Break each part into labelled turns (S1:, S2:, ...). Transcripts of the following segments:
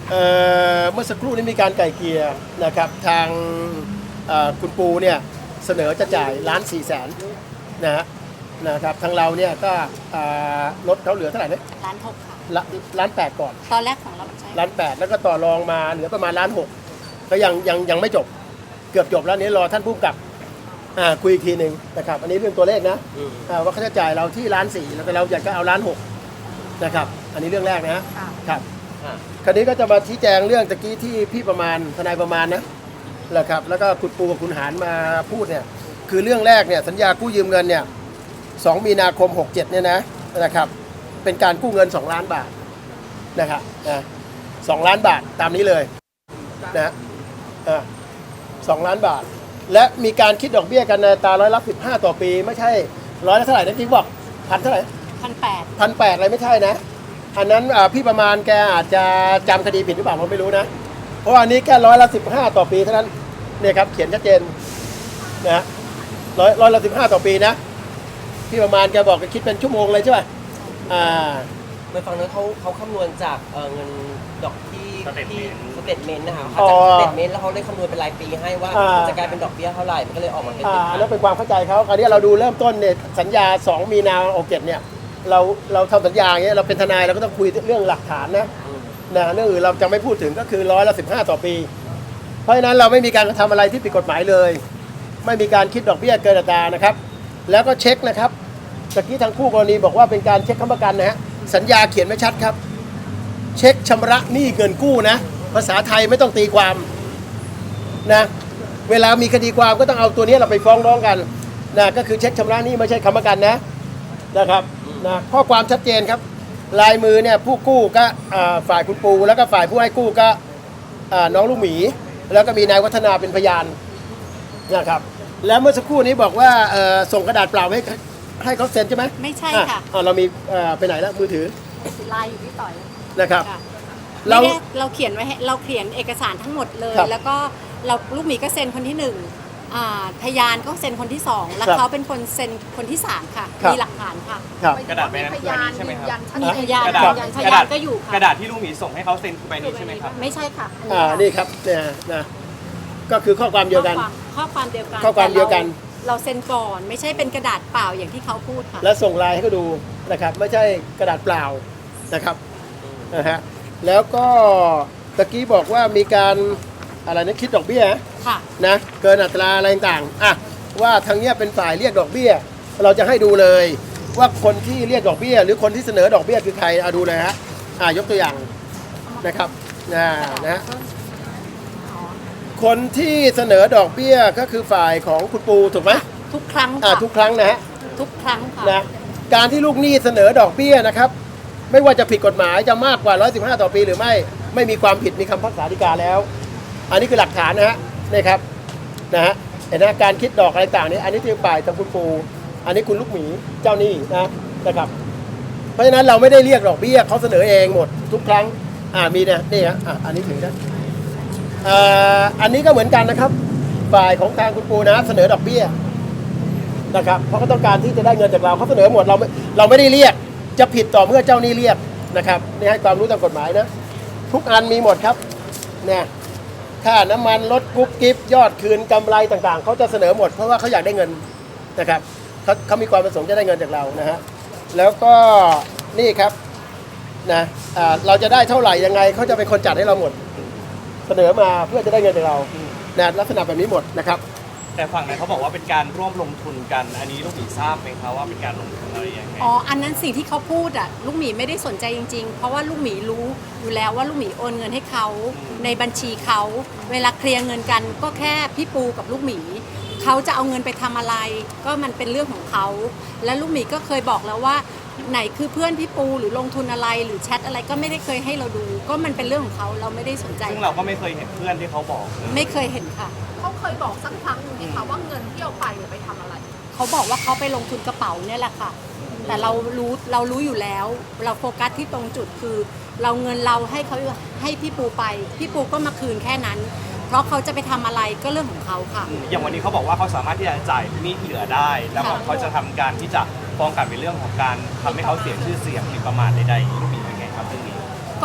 S1: เมื่อสักครู่นี้มีการไกล่เกลี่ยนะครับทางคุณปูเนี่ยเสนอจะจ่าย1,400,000นะครับทางเราเนี่ยก็ลดเขาเหลือเท่าไหร่เนี่ย
S2: 1,600,000ค่ะ
S1: 1,800,000ก่อน
S2: ตอนแรกของเราใช่
S1: 1,800,000แล้วก็ต่อรองมาเหลือประมาณ1,600,000ก็ยังไม่จบเกือบจบแล้วนี้รอท่านผู้กำกับคุยอีกทีหนึ่งนะครับอันนี้เรื่องตัวเลขนะว่าค่าใช้จ่ายเราที่1,400,000แล้วก็เราอยากจะเอา1,600,000นะครับอันนี้เรื่องแรกนะครับคราวนี้ก็จะมาชี้แจงเรื่องตะกี้ที่พี่ประมาณทนายประมาณนะครับแล้วก็คุณปูกับคุณหารมาพูดเนี่ยคือเรื่องแรกเนี่ยสัญญากู้ยืมเงินเนี่ย2 มีนาคม 67เนี่ยนะครับเป็นการกู้เงิน2 ล้านบาทนะครับ2 ล้านบาทตามนี้เลยนะ2 ล้านบาทและมีการคิดดอกเบี้ยกันในอัตรา15%ต่อปีไม่ใช่ร้อยละเท่าไหร่นะที่บอกเท่าไหร่1,800อะไรไม่ใช่นะอันนั้นพี่ประมาณแกอาจจะจำคดีผิดหรือเปล่าผมไม่รู้นะเพราะอันนี้แค่15%ต่อปีเท่านั้นเนี่ยครับเขียนชัดเจนนะ15%ต่อปีนะพี่ประมาณแกบอกคิดเป็นชั่วโมงเลยใช่ไหม
S3: ไปฟังนั้นเขาคำนวณจากเงินดอกที่สเตทเมนต์นะคะเขาจากสเตทเมนต์แล้วเขาได้คำนวณเป็นรายปีให้ว่าจะกลายเป็นดอกเบี้ยเท่าไหร่มันก็เลยออกมาเป็น
S1: อันนั้นเป็นความเข้าใจเขาคราวนี้เราดูเริ่มต้นเนี่ยสัญญา2 มีนาคม 67เนี่ยเราทำสัญญาอย่างเงี้ยเราเป็นทนายเราก็ต้องคุยเรื่องหลักฐานนะเรื่องอื่นเราจะไม่พูดถึงก็คือ15%ต่อปีเพราะฉะนั้นเราไม่มีการกระทำอะไรที่ผิดกฎหมายเลยไม่มีการคิดดอกเบี้ยเกินอัตรานะครับแล้วก็เช็คนะครับตะกี้ทางคู่กรณีบอกว่าเป็นการเช็คค้ำประกันนะฮะสัญญาเขียนไว้ชัดครับเช็คชำระหนี้เงินกู้นะภาษาไทยไม่ต้องตีความนะเวลามีคดีความก็ต้องเอาตัวนี้เราไปฟ้องร้องกันนะก็คือเช็คชำระหนี้ไม่ใช่ค้ำประกันนะครับข้อความชัดเจนครับลายมือเนี่ยผู้กู้ก็ฝ่ายคุณปูแล้วก็ฝ่ายผู้ให้กู้ก็น้องลูกหมีแล้วก็มีนายวัฒนาเป็นพยานนะครับแล้วเมื่อสักครู่นี้บอกว่าส่งกระดาษเปล่าให้เขาเซ็นใช่ไหม
S2: ไม่ใช่ค่ะ
S1: เรามีไปไหนแล้วมือถือ
S2: ไลน์อยู่ที่ต่อย
S1: นะครับ
S2: เราเขียนไว้เราเขียนเอกสารทั้งหมดเลยแล้วก็เราลูกหมีก็เซ็นคนที่1พยานก็เซ็นคนที่2แล้วเขาเป็นคนเซ็นคนที่3ค่ะมีหลักฐานค่ะ
S4: กระดาษใบนั้นคือใบนี้ใช่ไหมครับ
S2: มีพยานก็อยู่
S4: กระดาษที่ลุงหมีส่งให้เขาเซ็นคือใบนี้ใช่ไหมครับ
S2: ไม่ใช่ค่ะ
S1: นี่ครับเนี่ยนะก็คือข้อความเดียวกัน
S2: ข้อความเดียวกันเราเซ็นก่อนไม่ใช่เป็นกระดาษเปล่าอย่างที่เขาพูดค่ะ
S1: แล้วส่งไลน์ให้เขาดูนะครับไม่ใช่กระดาษเปล่านะครับแล้วก็ตะกี้บอกว่ามีการอะไรนะคิดดอกเบี้ยนะเกินอัตราอะไรต่างว่าทางเนี้ยเป็นฝ่ายเรียกดอกเบี้ยเราจะให้ดูเลยว่าคนที่เรียกดอกเบี้ยหรือคนที่เสนอดอกเบี้ยคือใครดูเลยยกตัวอย่างนะครับนะคนที่เสนอดอกเบี้ยก็คือฝ่ายของคุณปูถูกไหม
S2: ทุกครั้ง
S1: ทุกครั้งนะ
S2: ทุกครั้งค่ะ
S1: นะการที่ลูกหนี้เสนอดอกเบี้ยนะครับไม่ว่าจะผิดกฎหมายจะมากกว่า115ต่อปีหรือไม่มีความผิดมีคำพิพากษาฎีกาแล้วอันนี้คือหลักฐานนี่ครับเห็นการคิดดอกอะไรต่างนี้อันนี้ที่ฝ่ายทางคุณปูอันนี้คุณลูกหมีเจ้าหนี้นะครับเพราะฉะนั้นเราไม่ได้เรียกดอกเบี้ยเขาเสนอเองหมดทุกครั้งมีนี่อันนี้ถึงอันนี้ก็เหมือนกันนะครับฝ่ายของทางคุณปูเสนอดอกเบี้ยนะครับเพราะเขาต้องการที่จะได้เงินจากเราเขาเสนอหมดเราไม่ได้เรียกจะผิดต่อเมื่อเจ้าหนี้เรียกนะครับนี่ให้ความรู้ตามกฎหมายนะทุกอันมีหมดครับเนี่ยค่าน้ำมันลดกุ๊บกิ๊บยอดคืนกำไรต่างๆเขาจะเสนอหมดเพราะว่าเขาอยากได้เงินนะครับเขามีความประสงค์จะได้เงินจากเราแล้วก็นี่ครับเราจะได้เท่าไหร่ยังไงเขาจะเป็นคนจัดให้เราหมดเสนอมาเพื่อจะได้เงินจากเราลักษณะแบบนี้หมดนะครับ
S4: แต่ฝั่งนั้นเขาบอกว่าเป็นการร่วมลงทุนกันอันนี้ลูกหมีทราบไหมครับว่าเป็นการลงทุนอะไรยังไง
S2: อันนั้นสิ่งที่เขาพูดลูกหมีไม่ได้สนใจจริงๆเพราะว่าลูกหมีรู้อยู่แล้วว่าลูกหมีโอนเงินให้เขาในบัญชีเขาเวลาเคลียร์เงินกันก็แค่พี่ปูกับลูกหมีเขาจะเอาเงินไปทำอะไรก็มันเป็นเรื่องของเขาและลูกหมีก็เคยบอกแล้วว่าไหนคือเพื่อนพี่ปูหรือลงทุนอะไรหรือแชทอะไรก็ไม่ได้เคยให้เราดูก็มันเป็นเรื่องของเขาเราไม่ได้สนใจ
S4: ซึ่งเราก็ไม่เคยเห็นเพื่อนที่เขาบอก
S2: ไม่เคยเห็นค่ะ
S5: เขาเคยบอกสักครั้งนึงไหมคะว่าเงินที่เอาไปทำอะไร
S2: เขาบอกว่าเขาไปลงทุนกระเป๋าเนี่ยแหละค่ะแต่เรารู้อยู่แล้วเราโฟกัสที่ตรงจุดคือเราเงินเราให้พี่ปูไปพี่ปูก็มาคืนแค่นั้นเพราะเขาจะไปทำอะไรก็เรื่องของเขาค่ะ
S4: อย่างวันนี้เขาบอกว่าเขาสามารถที่จะจ่ายหนี้ที่เหลือได้แล้วเขาจะทำการที่จะฟ้องกลับในเรื่องของการทำให้เขาเสียชื่อเสียงหรือประมาทใดๆลูกหมีเป็นไงครับเรื่องนี้
S2: ก็เอา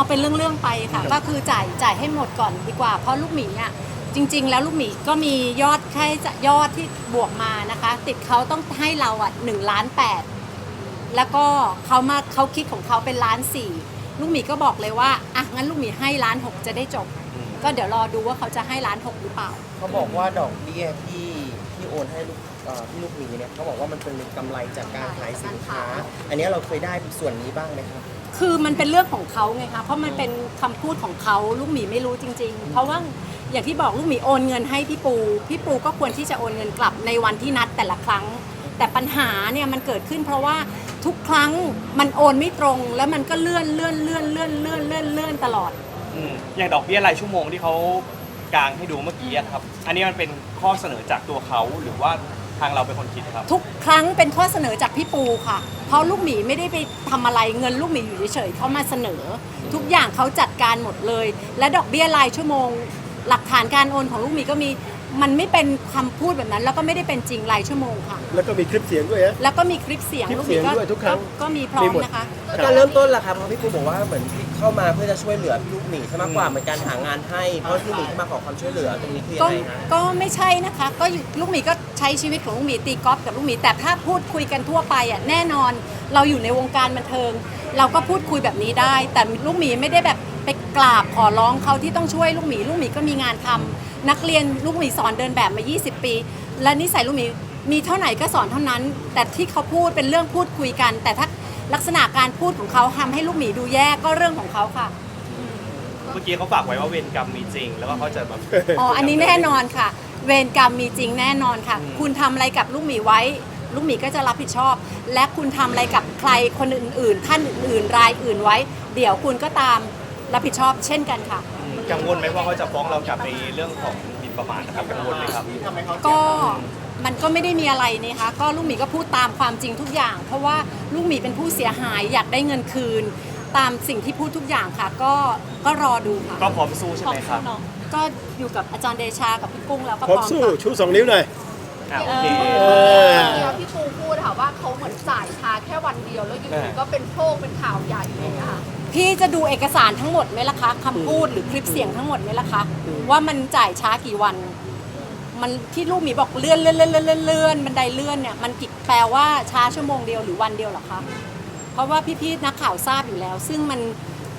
S2: เป็นเรื่องๆไปค่ะ ก็คือจ่ายให้หมดก่อนดีกว่า เพราะลูกหมีอ่ะจริง ๆ แล้วลูกหมีก็มียอดแค่ยอดที่บวกมานะคะ ติดเขาต้องให้เราอ่ะ1.8 ล้านแล้วก็เขาคิดของเขาเป็น1.4 ล้านลูกหมีก็บอกเลยว่าอ่ะงั้นลูกหมีให้1.6 ล้านจะได้จบ ก็เดี๋ยวรอดูว่าเขาจะให้1.6 ล้านหรือเปล่า
S6: เขาบอกว่าดอกเบี้ยที่โอนให้พี่ลูกหมีเนี่ยเขาบอกว่ามันเป็นกำไรจากการขายสินค้า อันนี้เราเคยได้ส่วนนี้บ้างไหมครับ
S2: คือมันเป็นเรื่องของเขาไงคะเพราะมันเป็นคำพูดของเขาลูกหมีไม่รู้จริง ๆ เพราะว่าอย่างที่บอกลูกหมีโอนเงินให้พี่ปูก็ควรที่จะโอนเงินกลับในวันที่นัดแต่ละครั้ง แต่ปัญหาเนี่ยมันเกิดขึ้นเพราะว่าทุกครั้งมันโอนไม่ตรงแล้วมันก็เลื่อนตลอด
S4: อย่างดอกเบี้ยรายชั่วโมงที่เขากางให้ดูเมื่อกี้อะครับ อันนี้มันเป็นข้อเสนอจากตัวเขาหรือว่าทางเราเป็นคนคิดครับ
S2: ทุกครั้งเป็นข้อเสนอจากพี่ปูค่ะ เพราะลูกหมีไม่ได้ไปทำอะไรเงินลูกหมีอยู่เฉยๆเขามาเสนอ ทุกอย่างเขาจัดการหมดเลย และดอกเบี้ยรายชั่วโมง หลักฐานการโอนของลูกหมีก็มีมันไม่เป็นคำพูดแบบนั้น แล้วก็ไม่ได้เป็นจริงรายชั่วโมงค่ะ
S1: แล้วก็มีคลิปเสียงด้วยนะ
S2: แล้วก็มีคลิปเสียง
S1: คลิป
S2: ลูกห
S1: เสี
S2: มี
S1: ยงด้วยทุกครั้ง
S2: ก็มีพร้อ
S1: มี
S2: ม
S1: หมด
S2: นะคะ
S6: การเริ่มต้นล่ะครับเพราะพี่ปูบอกว่าเหมือนเข้ามาเพื่อจะช่วยเหลือพี่ลูกหมีใช่มากกว่าเหมือนการหางานให้เพราะพี่ลูกหมีที่มาขอความช่วยเหลือตรงนี้คือยั
S2: ก็
S6: งไงฮะ
S2: ก็ไม่ใช่นะคะก็ลูกหมีก็ใช้ชีวิตของลูกหมีตีกอล์ฟกับลูกหมีแต่ถ้าพูดคุยกันทั่วไปอ่ะแน่นอนเราอยู่ในวงการบันเทิง เราก็พูดคุยแบบนี้ได้ แต่ลูกหมีไม่ได้แบบไปกราบขอร้องเขาที่ต้องช่วยลูกหมีก็มีงานทำนักเรียนลูกหมีสอนเดินแบบมา 20 ปี และนิสัยลูกหมีมีเท่าไหร่ก็สอนเท่านั้น แต่ที่เขาพูดเป็นเรื่องพูดคุยกัน แต่ถ้าลักษณะการพูดของเขาทำให้ลูกหมีดูแย่ก็เรื่องของเขาค่ะ
S4: เมื่อกี้เขาฝากไว้ว่าเวรกรรมมีจริง แล้วก็เขาจะแบบ
S2: อ๋อ อันนี้แน่นอนค่ะ เวรกรรมมีจริงแน่นอนค่ะ คุณทำอะไรกับลูกหมีไว้ ลูกหมีก็จะรับผิดชอบ และคุณทำอะไรกับใครคนอื่นๆ ท่านอื่นๆ รายอื่นไว้ เดี๋ยวคุณก็ตามรับผิดชอบเช่นกันค่ะ
S4: กังวลไหมว่าเขาจะฟ้องเรากลับในเรื่องของหมิ่นประมาทนะครับกังวลไหมครับ
S2: ก็มันก็ไม่ได้มีอะไรนี่คะก็ลูกหมีก็พูดตามความจริงทุกอย่าง เพราะว่าลูกหมีเป็นผู้เสียหายอยากได้เงินคืน ตามสิ่งที่พูดทุกอย่างค่ะ ก็รอดูค่ะ
S4: ก็พร้อมสู้ใช่ไหมครับ
S2: ก็อยู่กับอาจารย์เดชากับพี่กุ้งแล้วก็
S1: พ
S2: พ
S1: ร้อ
S2: ร้
S1: ม
S2: อม
S1: สู้
S2: ค่ะ
S1: ชู2 นิ้วหน่อย
S4: โอเค
S5: แล้วพี่ปูพูดค่ะว่าเขาเหมือนจ่ายช้าแค่วันเดียวแล้วอยู่ดีก็เป็นโชคเป็นข่าวใหญ่เลยนะคะ
S2: พี่จะดูเอกสารทั้งหมดไหมล่ะคะคำพูดหรือคลิปเสียงทั้งหมดไหมล่ะคะว่ามันจ่ายช้ากี่วัน มันที่ลูกหมีบอกเลื่อนบันไดเลื่อนเนี่ยมันกี่แปลว่าช้าชั่วโมงเดียวหรือวันเดียวเหรอคะเพราะว่าพี่ๆนักข่าวทราบอยู่แล้ว ซึ่งมัน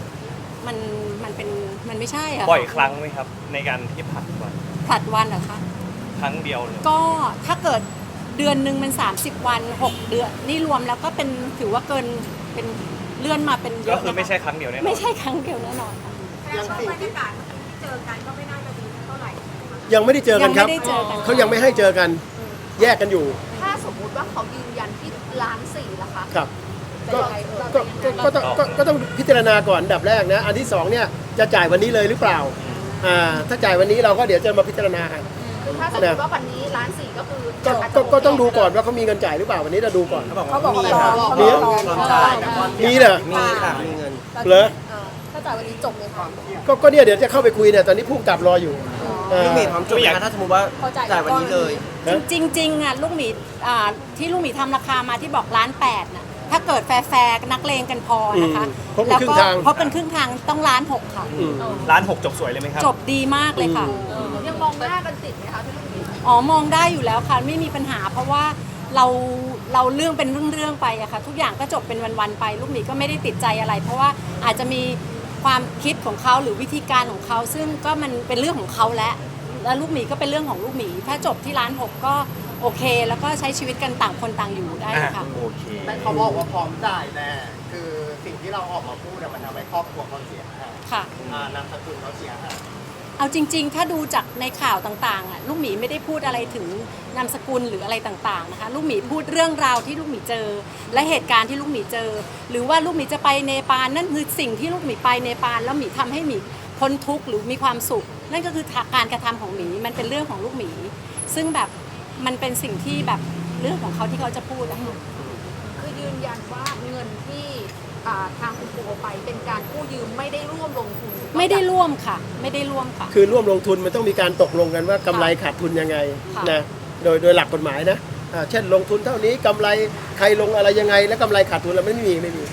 S2: ไม่ใช่อะ
S4: บ่อยครั้งไหมครับ ในการที่ผัดวัน
S2: ผลัดวันเหรอคะ
S4: ครั้งเดียวเลย
S2: ก็ถ้าเกิดเดือนหนึ่งมัน30 วัน 6 เดือนนี่รวมแล้วก็เป็นถือว่าเกินเป็นเลื่อนมาเป็นเย
S4: ก็
S2: อะ
S4: คือ
S2: นะคะ
S4: ไม่ใช่ครั้งเดียวแน่นอน
S2: ไม่ใช่ครั้งเดียวแน่นอนค่ะ
S5: แล้วช่วงบรรยากาศที่เจอกันก็ไม่น่าจะดีเท่าไหร่
S1: ยังไม่ได้เจอกันครับ
S2: ยังไม่ได้เจอกัน
S1: เขายังไม่ให้เจอกัน แยกกันอยู่
S5: ถ้าสมมุติว่าเขายืนยันที่1.4 ล้านล่ะคะ
S1: ครับ
S5: จะ
S1: ก็
S5: ยังไง
S1: ก็ต้องพิจารณาก่อนอันดับแรกนะ อันที่2เนี่ยจะจ่ายวันนี้เลยหรือเปล่า ถ้าจ่ายวันนี้เราก็เดี๋ยวจะมาพิจารณากัน
S5: คือถ้าสมมติว่าวันนี้1.4 ล้านก็คือ
S1: ก็ต้องดูก่อนว่าเขามีเงินจ่ายหรือเปล่าวันนี้เราดูก่อน
S6: เขาบอกว่ามีครับ
S1: มี
S6: เงินจ่ายแต่ว่า
S1: มีเหรอ
S6: มีค่ะมีเงิน
S1: เหรอ
S5: ถ้าจ่ายวันนี้จบเลยค่ะ
S1: ก็เนี่ยเดี๋ยวจะเข้าไปคุยเนี่ยตอนนี้ผู้กำกับรออยู่
S6: ลูกหมีพร้อมจบไหมคะถ้าสมมติว่าจ่ายวันนี้เลย
S2: จริงๆอ่ะลูกหมีที่ลูกหมีทำราคามาที่บอก1.8 ล้านน่ะถ้าเกิดแฟร์ๆนักเลงกันพอนะคะ
S1: ครบเป็น
S2: แล้ว
S1: ครึ่
S2: ก็
S1: งทาง
S2: เพราะเป็นครึ่งทางต้อง1.6 ล้านค่ะ
S4: 1.6 จบสวยเลยไหมครับ
S2: จบดีมากเลยค่ะ
S5: ยังมองหน้ากันติดไหมคะพี่ลูกหมี
S2: อ๋อมองได้อยู่แล้วค่ะไม่มีปัญหา เพราะว่าเราเรื่องเป็นเรื่องไปอะค่ะทุกอย่างก็จบเป็นวันๆไป ลูกหมีก็ไม่ได้ติดใจอะไร เพราะว่าอาจจะมีความคิดของเขาหรือวิธีการของเขาซึ่งก็มันเป็นเรื่องของเขาแล้วลูกหมีก็เป็นเรื่องของลูกหมี ถ้าจบที่1.6 ล้านก็โอเค แล้วก็ใช้ชีวิตกันต่างคนต่างอยู่ได้ค่ะ
S4: โอเค
S7: แต่เขาบอกว่าพร้อมจ่ายแน่คือสิ่งที่เราออกมาพูดอะมันทำให้ครอบครัวเขาเสียหาย
S2: ค่ะ
S7: นามสกุลเขาเสียหาย
S2: เอาจริงๆ ถ้าดูจากในข่าวต่างๆอ่ะลูกหมีไม่ได้พูดอะไรถึงนามสกุลหรืออะไรต่างๆนะคะลูกหมีพูดเรื่องราวที่ลูกหมีเจอ และเหตุการณ์ที่ลูกหมีเจอ หรือว่าลูกหมีจะไปเนปาลนั่นคือสิ่งที่ลูกหมีไปเนปาลแล้วหมีทำให้หมีพ้นทุกข์หรือมีความสุข นั่นก็คือการกระทำของหมีมันเป็นเรื่องของลูกหมี ซึ่งแบบมันเป็นสิ่งที่แบบเรื่องของเขาที่เขาจะพูดนะคะ
S5: คือยืนยันว่าเงินที่ทางคุณปูเอาไปเป็นการกู้ยืมไม่ได้ร่วมลงทุน
S2: ไม่ได้ร่วมค่ะ ไม่ได้ร่วมค่ะ
S1: คือร่วมลงทุนมันต้องมีการตกลงกันว่ากำไรขาดทุนยังไง
S2: ค่ะ
S1: นะโดยหลักกฎหมายนะเช่นลงทุนเท่านี้กำไรใครลงอะไรยังไง แล้วกำไรขาดทุนเราไม่มี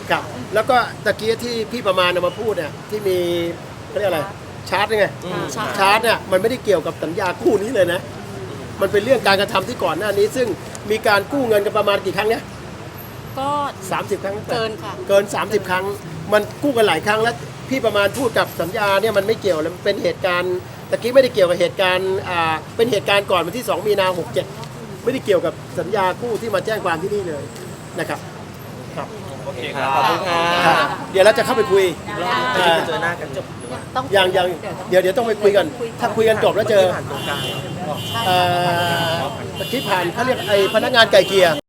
S1: ครับแล้วก็ตะกี้ที่พี่ประมาณเอามาพูดเนี่ยที่มีเขาเรียกอะไรชาร์จไงชาร์จเนี่ยมันไม่ได้เกี่ยวกับสัญญากู้นี้เลยนะมันเป็นเรื่องการกระทำที่ก่อนหน้านี้ ซึ่งมีการกู้เงินกันประมาณกี่ครั้งเนี่ย
S2: ก็
S1: 30 ครั้ง
S2: เกินค่ะ
S1: เกิน 30 ครั้ง มันกู้กันหลายครั้งแล้วพี่ประมาณพูดกับสัญญาเนี่ยมันไม่เกี่ยวแล้วมันเป็นเหตุการณ์ตะกี้ไม่ได้เกี่ยวกับเหตุการณ์เป็นเหตุการณ์ก่อนวันที่ 2 มีนา 67ไม่ได้เกี่ยวกับสัญญากู้ที่มาแจ้งความที่นี่เลยนะครับครับ
S4: โอเคครับ
S3: ขอบคุณค่ะ
S1: ครับเดี๋ยวเราจะเข้าไปคุย
S6: จะได้เจอหน้ากันจบหรือว่า
S2: ต้อง
S1: ยังเดี๋ยวต้องไปคุยกัน ถ้าคุยกันจบแล้วเจอ
S6: ผ่านตรงกลาง
S1: ตะกี้ผ่านเขาเรียกไอ้พนักงานไก่เกลีย